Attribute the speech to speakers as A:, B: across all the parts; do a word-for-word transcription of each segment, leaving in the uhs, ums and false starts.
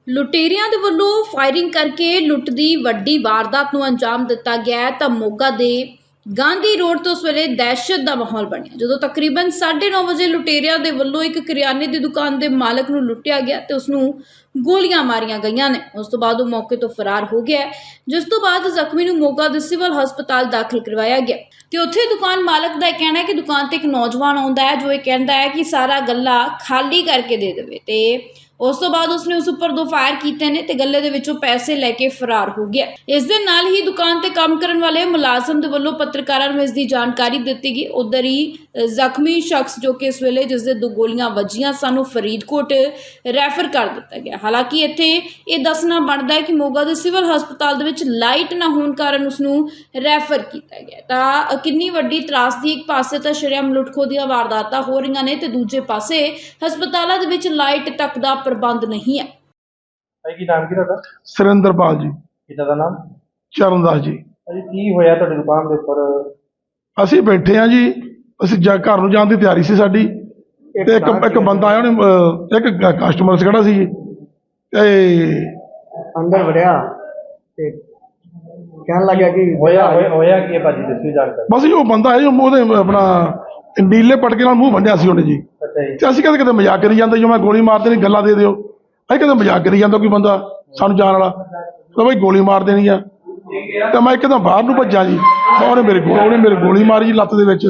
A: ਲੁਟੇਰਿਆਂ ਦੇ ਵੱਲੋਂ ਫਾਇਰਿੰਗ ਕਰਕੇ ਲੁੱਟ ਦੀ ਵੱਡੀ ਵਾਰਦਾਤ ਨੂੰ ਅੰਜਾਮ ਦਿੱਤਾ ਗਿਆ ਹੈ ਤਾਂ ਮੋਗਾ ਦੇ ਗਾਂਧੀ ਰੋਡ ਤੋਂ ਉਸ ਵੇਲੇ ਦਹਿਸ਼ਤ ਦਾ ਮਾਹੌਲ ਬਣਿਆ ਜਦੋਂ ਤਕਰੀਬਨ ਸਾਢੇ ਨੌ ਵਜੇ ਲੁਟੇਰਿਆਂ ਦੇ ਵੱਲੋਂ ਇੱਕ ਕਰਿਆਨੇ ਦੀ ਦੁਕਾਨ ਦੇ ਮਾਲਕ ਨੂੰ ਲੁੱਟਿਆ ਗਿਆ ਤੇ ਉਸ ਨੂੰ ਗੋਲੀਆਂ ਮਾਰੀਆਂ ਗਈਆਂ ਨੇ। ਉਸ ਤੋਂ ਬਾਅਦ ਉਹ ਮੌਕੇ ਤੋਂ ਫਰਾਰ ਹੋ ਗਿਆ, ਜਿਸ ਤੋਂ ਬਾਅਦ ਜ਼ਖਮੀ ਨੂੰ ਮੋਗਾ ਦੇ ਸਿਵਲ ਹਸਪਤਾਲ ਦਾਖਲ ਕਰਵਾਇਆ ਗਿਆ ਤੇ ਉੱਥੇ ਦੁਕਾਨ ਮਾਲਕ ਦਾ ਇਹ ਕਹਿਣਾ ਹੈ ਕਿ ਦੁਕਾਨ ਤੇ ਇੱਕ ਨੌਜਵਾਨ ਆਉਂਦਾ ਹੈ ਜੋ ਇਹ ਕਹਿੰਦਾ ਹੈ ਕਿ ਸਾਰਾ ਗੱਲਾ ਖਾਲੀ ਕਰਕੇ ਦੇ ਦੇਵੇ ਤੇ ਉਸ ਤੋਂ ਬਾਅਦ ਉਸਨੇ ਉਸ ਉੱਪਰ ਦੋ ਫਾਇਰ ਕੀਤੇ ਨੇ ਤੇ ਗੱਲੇ ਦੇ ਵਿੱਚੋਂ ਪੈਸੇ ਲੈ ਕੇ ਫਰਾਰ ਹੋ ਗਿਆ। ਇਸ ਦੇ ਨਾਲ ਹੀ ਦੁਕਾਨ ਤੇ ਕੰਮ ਕਰਨ ਵਾਲੇ ਮੁਲਾਜ਼ਮ ਦੇ ਵੱਲੋਂ ਪੱਤਰਕਾਰਾਂ ਨੂੰ ਇਸ ਦੀ ਜਾਣਕਾਰੀ ਦਿੱਤੀ ਗਈ। ਉਧਰ ਹੀ ਜ਼ਖਮੀ ਸ਼ਖਸ ਜੋ ਕਿ ਇਸ ਵੇਲੇ ਜਿਸ ਦੇ ਦੋ ਗੋਲੀਆਂ ਵੱਜੀਆਂ ਸਾਨੂੰ ਫਰੀਦਕੋਟ ਰੈਫਰ ਕਰ ਦਿੱਤਾ ਗਿਆ। ਹਾਲਾਂਕਿ ਇੱਥੇ ਇਹ ਦੱਸਣਾ ਬਣਦਾ ਹੈ ਕਿ ਮੋਗਾ ਦੇ ਸਿਵਲ ਹਸਪਤਾਲ ਦੇ ਵਿੱਚ ਲਾਈਟ ਨਾ ਹੋਣ ਕਾਰਨ ਉਸ ਨੂੰ ਰੈਫਰ ਕੀਤਾ ਗਿਆ। ਤਾਂ ਕਿੰਨੀ ਵੱਡੀ ਤਰਾਸਦੀ, ਇੱਕ ਪਾਸੇ ਤਾਂ ਸ਼ਰੇਆਮ ਲੁੱਟ-ਖੋਹ ਦੀਆਂ ਵਾਰਦਾਤਾਂ ਹੋ ਰਹੀਆਂ ਨੇ ਤੇ ਦੂਜੇ ਪਾਸੇ ਹਸਪਤਾਲਾਂ ਦੇ ਵਿੱਚ ਲਾਈਟ ਤੱਕ ਦਾ ਪ੍ਰਬੰਧ ਨਹੀਂ ਹੈ।
B: ਭਾਈ ਕੀ ਨਾਮ ਕੀ ਤੁਹਾਡਾ?
C: ਸੁਰਿੰਦਰਪਾਲ ਜੀ।
B: ਪਿਤਾ ਦਾ ਨਾਮ?
C: ਚਰਨਦਾਸ ਜੀ।
B: ਭਾਜੀ ਕੀ ਹੋਇਆ ਤੁਹਾਡੀ ਦੁਕਾਨ ਦੇ ਉੱਪਰ?
C: ਅਸੀਂ ਬੈਠੇ ਆ ਜੀ, ਅਸੀਂ ਜਾ ਘਰ ਨੂੰ ਜਾਣ ਦੀ ਤਿਆਰੀ ਸੀ ਸਾਡੀ ਤੇ ਇੱਕ ਇੱਕ ਬੰਦਾ ਆਇਆ, ਉਹਨੇ ਅਹ, ਇੱਕ ਕਸਟਮਰ ਖੜਾ ਸੀ ਤੇ
D: ਅੰਦਰ ਵੜਿਆ ਤੇ ਕਹਿਣ ਲੱਗਿਆ ਕਿ
B: ਹੋਇਆ ਹੋਇਆ ਹੋਇਆ ਕੀ ਹੈ ਭਾਜੀ, ਦੱਸੋ ਜਾਣਕਾਰੀ।
C: ਬਸ ਜੀ ਉਹ ਬੰਦਾ ਹੈ ਜੀ, ਉਹਦੇ ਆਪਣਾ ਨੀਲੇ ਪਟਕੇ ਨਾਲ ਮੂੰਹ ਬੰਨਿਆ ਸੀ ਉਹਨੇ ਜੀ।
B: ਅੱਛਾ ਜੀ।
C: ਤੇ ਅਸੀਂ ਕਦੇ ਕਦੇ ਮਜ਼ਾਕ ਕਰੀ ਜਾਂਦੇ, ਜੋ ਮੈਂ ਗੋਲੀ ਮਾਰ ਦੇਣੀ, ਗੱਲਾਂ ਦੇ ਦਿਓ। ਅਸੀਂ ਕਦੇ ਮਜ਼ਾਕ ਕਰੀ ਜਾਂਦਾ ਕੋਈ ਬੰਦਾ ਸਾਨੂੰ ਜਾਣ ਵਾਲਾ ਤਾਂ ਬਈ ਗੋਲੀ ਮਾਰ ਦੇਣੀ ਆ। ਤੇ ਮੈਂ ਇੱਕਦਮ ਬਾਹਰ ਨੂੰ ਭੱਜਾ ਜੀ, ਉਹਨੇ ਮੇਰੇ ਕੋਲ ਉਹਨੇ ਮੇਰੇ ਗੋਲੀ ਮਾਰੀ ਜੀ ਲੱਤ ਦੇ ਵਿੱਚ।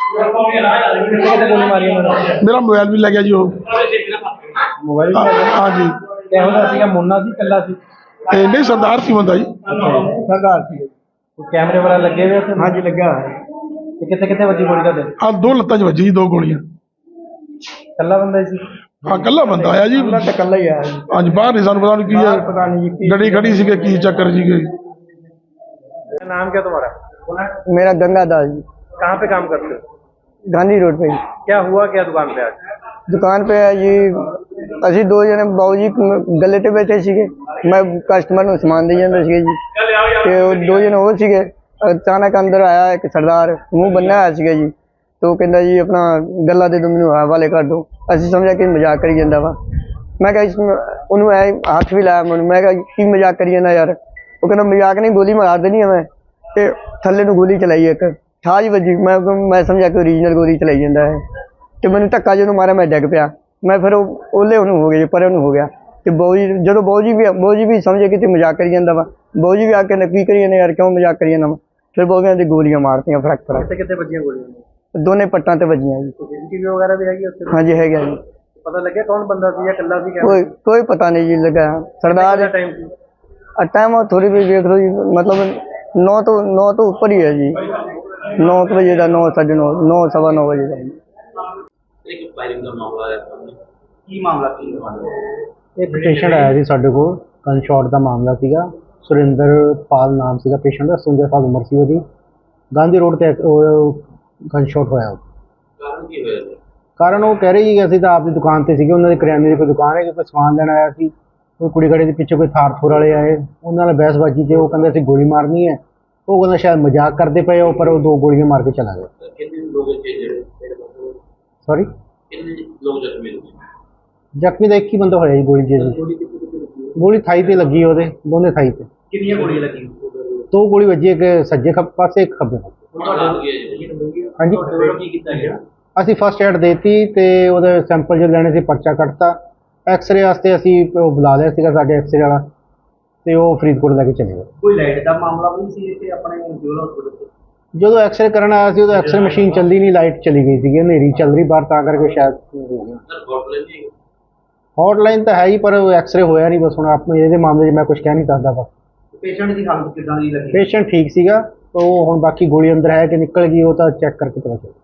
B: ਗੋਲੀ ਮਾਰੀ ਉਹਨਾਂ ਨੇ?
C: ਮੇਰਾ ਮੋਬਾਈਲ ਵੀ ਲੈ ਗਿਆ ਜੀ ਉਹ।
B: ਮੋਬਾਈਲ?
C: ਹਾਂ ਜੀ।
B: ਇਹੋ ਜਿਹਾ ਸੀਗਾ, ਮੁੰਨਾ ਸੀ, ਕੱਲਾ ਸੀ?
C: ਤੇ ਨਹੀਂ, ਸਰਦਾਰ ਸੀ ਬੰਦਾ ਜੀ।
D: ਸਰਦਾਰ ਸੀ।
B: ਕੋਈ ਕੈਮਰੇ ਵਾਲਾ ਲੱਗੇ ਹੋਏ ਉੱਥੇ?
D: ਹਾਂਜੀ ਲੱਗਾ।
B: ਤੇ ਕਿੱਥੇ ਕਿੱਥੇ ਵੱਜੀ ਗੋਲੀ ਤੁਹਾਡੇ?
C: ਆ ਦੋ ਲੱਤਾਂ 'ਚ ਵੱਜੀ ਜੀ, ਦੋ ਗੋਲੀਆਂ।
B: ਕੱਲਾ ਬੰਦਾ ਹੀ ਸੀ?
C: ਹਾਂ ਕੱਲਾ ਬੰਦਾ ਆਇਆ ਜੀ।
D: ਕੱਲਾ ਤੇ ਕੱਲਾ ਹੀ ਆਇਆ ਜੀ।
C: ਹਾਂਜੀ, ਬਾਹਰ ਨਹੀਂ ਸਾਨੂੰ ਪਤਾ ਨਹੀਂ ਕੀ ਹੈ,
D: ਪਤਾ नहीं जी
C: ਗੱਡੀ ਖੜੀ ਸੀਗੇ, ਕੀ ਚੱਕਰ ਸੀਗੇ।
B: नाम क्या तुम्हारा?
D: मेरा गंगा दास जी।
B: कहाँ पे काम करते हो?
D: गांधी रोड पे।
B: क्या हुआ क्या दुकान पे आज?
D: दुकान पे है जी, ਅਸੀਂ ਦੋ ਜਣੇ ਬਾਊ ਜੀ ਗੱਲੇ ਤੇ ਬੈਠੇ ਸੀਗੇ, ਮੈਂ ਕਸਟਮਰ ਨੂੰ ਸਮਾਨ ਦੇ ਜਾਂਦਾ ਸੀਗਾ ਜੀ ਤੇ ਉਹ ਦੋ ਜਣੇ ਹੋਰ ਸੀਗੇ। ਅਚਾਨਕ ਅੰਦਰ ਆਇਆ ਇੱਕ ਸਰਦਾਰ, ਮੂੰਹ ਬੰਨਿਆ ਹੋਇਆ ਸੀਗਾ ਜੀ, ਤੇ ਉਹ ਕਹਿੰਦਾ ਜੀ ਆਪਣਾ ਗੱਲਾਂ ਦੇ ਦਿਓ, ਮੈਨੂੰ ਹਵਾਲੇ ਕਰ ਦਿਓ। ਅਸੀਂ ਸਮਝਿਆ ਕਿ ਮਜ਼ਾਕ ਕਰੀ ਜਾਂਦਾ ਵਾ। ਮੈਂ ਕਿਹਾ ਉਹਨੂੰ ਐ ਹੱਥ ਵੀ ਲਾਇਆ ਮੈਨੂੰ, ਮੈਂ ਕਿਹਾ ਕੀ ਮਜ਼ਾਕ ਕਰੀ ਜਾਂਦਾ ਯਾਰ। ਉਹ ਕਹਿੰਦਾ ਮਜ਼ਾਕ ਨਹੀਂ, ਗੋਲੀ ਮਾਰ ਦੇਣੀ ਹੈ ਮੈਂ। ਤੇ ਥੱਲੇ ਨੂੰ ਗੋਲੀ ਚਲਾਈ ਇੱਕ, ਠਾਜ ਵੱਜੀ। ਮੈਂ ਮੈਂ ਸਮਝਿਆ ਕਿ ਓਰੀਜਨਲ ਗੋਲੀ ਚਲਾਈ ਜਾਂਦਾ ਹੈ ਤੇ ਮੈਨੂੰ ਧੱਕਾ ਜਦੋਂ ਮਾਰਿਆ ਮੈਂ ਡਿੱਗ ਪਿਆ। ਮੈਂ ਫਿਰ ਉਹ ਓਲੇ ਉਹਨੂੰ ਹੋ ਗਏ, ਪਰ ਉਹਨੂੰ ਹੋ ਗਿਆ। ਤੇ ਬਾਊ ਜੀ ਜਦੋਂ ਬਾਊ ਜੀ ਵੀ ਬਾਊ ਜੀ ਵੀ ਸਮਝੇ ਕਿ ਤੇ ਮਜ਼ਾਕ ਕਰੀ ਜਾਂਦਾ ਵਾ। ਬਾਊ ਜੀ ਵੀ ਆ ਕੇ ਕੀ ਕਰੀ ਜਾਂਦੇ ਯਾਰ, ਕਿਉਂ ਮਜ਼ਾਕ ਕਰੀ ਜਾਂਦਾ ਵਾ। ਫਿਰ ਬਾਊ ਕਹਿੰਦੇ ਗੋਲੀਆਂ ਮਾਰਤੀਆਂ ਫਰਕ ਫਰਕ।
B: ਕਿੱਥੇ ਕਿੱਥੇ ਵੱਜੀਆਂ ਗੋਲੀਆਂ?
D: ਦੋਨੇ ਪੱਟਾਂ ਤੇ ਵੱਜੀਆਂ ਜੀ।
B: ਸੀਸੀਟੀਵੀ ਵਗੈਰਾ ਵੀ ਹੈਗੀ ਉੱਥੇ?
D: ਹਾਂਜੀ ਹੈਗਾ ਜੀ।
B: ਪਤਾ ਲੱਗਿਆ ਕੌਣ ਬੰਦਾ ਸੀ ਜਾਂ ਇਕੱਲਾ ਸੀ?
D: ਕੋਈ ਕੋਈ ਪਤਾ ਨਹੀਂ ਜੀ ਲੱਗਾ। ਸਰਦਾਰ
B: ਟਾਈਮ ਸੀ?
D: टाइम थोड़ी भी देख लो जी, मतलब नौ तो नौ तो ऊपर ही है जी। नौ बजे का, नौ साढ़े नौ, नौ सवा नौ बजे का।
E: एक पेशेंट आया ਸੀ ਸਾਡੇ ਕੋਲ, ਗਨ ਸ਼ਾਟ ਦਾ ਮਾਮਲਾ ਸੀਗਾ। ਸੁਰਿੰਦਰਪਾਲ ਨਾਮ ਸੀਗਾ ਪੇਸ਼ੈਂਟ ਦਾ, ਸਤਵੰਜਾ ਸਾਲ ਉਮਰ ਸੀ ਉਹਦੀ। ਗਾਂਧੀ ਰੋਡ ਤੇ ਗਨ ਸ਼ਾਟ ਹੋਇਆ। ਕਾਰਨ ਕੀ ਹੋਇਆ? ਕਾਰਨ ਉਹ ਕਹਿ ਰਹੀ ਸੀ ਅਸੀਂ ਤਾਂ ਆਪਦੀ ਦੁਕਾਨ ਤੇ ਸੀਗੇ, ਉਹਨਾਂ ਦੀ ਕਰਿਆਨੇ ਦੀ ਕੋਈ ਦੁਕਾਨ ਹੈ, ਕੋਈ ਸਮਾਨ ਲੈਣ ਆਇਆ ਸੀ। ਕੋਈ ਕੁੜੀ ਘੜੇ ਦੇ ਪਿੱਛੇ ਕੋਈ ਥਾਰ ਥੂਰ ਵਾਲੇ ਆਏ, ਉਹਨਾਂ ਨਾਲ ਬਹਿਸਬਾਜੀ ਤੇ ਉਹ ਕਹਿੰਦੇ ਅਸੀਂ ਗੋਲੀ ਮਾਰਨੀ ਹੈ। ਉਹ ਕਹਿੰਦਾ ਸ਼ਾਇਦ ਮਜ਼ਾਕ ਕਰਦੇ ਪਏ ਹੋ, ਪਰ ਉਹ ਦੋ ਗੋਲੀਆਂ ਮਾਰ ਕੇ ਚਲਾ ਗਿਆ। ਸੌਰੀ, ਜ਼ਖਮੀ ਦਾ ਇੱਕ ਹੀ ਬੰਦਾ ਹੋਇਆ ਜੀ ਗੋਲੀ ਜੀ। ਗੋਲੀ ਥਾਈ ਤੇ ਲੱਗੀ ਉਹਦੇ, ਦੋਨੇ ਥਾਈ ਤੇ।
B: ਕਿੰਨੀਆਂ ਗੋਲੀਆਂ ਲੱਗੀਆਂ?
E: ਦੋ ਗੋਲੀ ਵੱਜੀ, ਇੱਕ ਸੱਜੇ ਖੱਬੇ ਪਾਸੇ, ਇੱਕ ਖੱਬੇ
B: ਹਾਂਜੀ।
E: ਅਸੀਂ ਫਸਟ ਐਡ ਦੇਤੀ ਤੇ ਉਹਦੇ ਸੈਂਪਲ ਜੋ ਲੈਣੇ ਸੀ ਪਰਚਾ ਕੱਟਤਾ। ਐਕਸਰੇ ਵਾਸਤੇ ਅਸੀਂ ਉਹ ਬੁਲਾ ਲਿਆ ਸੀਗਾ ਸਾਡੇ ਐਕਸਰੇ ਵਾਲਾ, ਤੇ ਉਹ ਫਰੀਦਕੋਟ ਲੈ ਕੇ ਚਲੇ ਗਏ।
B: ਕੋਈ ਲਾਈਟ ਦਾ ਮਾਮਲਾ ਵੀ ਸੀ ਇੱਥੇ ਆਪਣੇ ਸਿਵਲ ਹਸਪਤਾਲ?
E: ਜਦੋਂ ਐਕਸਰੇ ਕਰਨ ਆਇਆ ਸੀ ਉਦੋਂ ਐਕਸਰੇ ਮਸ਼ੀਨ ਚੱਲਦੀ ਨਹੀਂ, ਲਾਈਟ ਚਲੀ ਗਈ ਸੀਗੀ, ਹਨੇਰੀ ਚੱਲ ਰਹੀ ਬਾਹਰ, ਤਾਂ ਕਰਕੇ ਸ਼ਾਇਦ ਹੌਟਲਾਈਨ ਤਾਂ ਹੈ ਹੀ, ਪਰ ਐਕਸਰੇ ਹੋਇਆ ਨਹੀਂ। ਬਸ ਹੁਣ ਆਪਣੇ ਇਹਦੇ ਮਾਮਲੇ 'ਚ ਮੈਂ ਕੁਝ ਕਹਿ ਨਹੀਂ ਸਕਦਾ। ਬਸ
B: ਪੇਸ਼ੈਂਟ ਦੀ ਹਾਲਤ ਕਿੱਦਾਂ ਦੀ ਲੱਗੀ?
E: ਪੇਸ਼ੈਂਟ ਠੀਕ ਸੀਗਾ, ਉਹ ਹੁਣ ਬਾਕੀ ਗੋਲੀ ਅੰਦਰ ਹੈ ਕਿ ਨਿਕਲ ਗਈ ਉਹ ਤਾਂ ਚੈੱਕ ਕਰਕੇ ਪਤਾ ਚੱਲੇਗਾ।